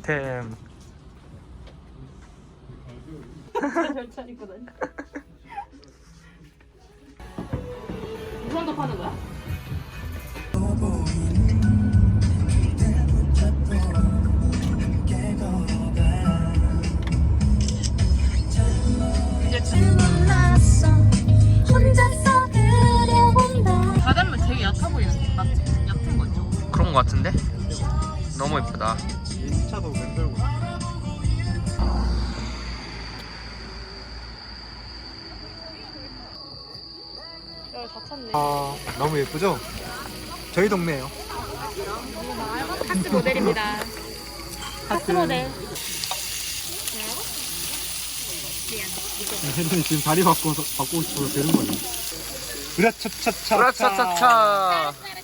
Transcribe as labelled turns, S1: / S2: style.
S1: 아이템.
S2: 별차 입고 다니. 무슨 거 파는 거야? 바닷물 되게 얕아 보이는데 맞지? 얕은 거 있죠?
S1: 그런 거 같은데? 너무 예쁘다.
S3: 인차도 맨들고.
S2: 다 찼네.
S3: 아, 너무 예쁘죠? 저희 동네예요.
S2: 하트 모델입니다. 하트 모델.
S3: 혜린이 지금 다리 바꾸고 싶어서 되는 거예요. 으라차차차.
S1: 으라차차차.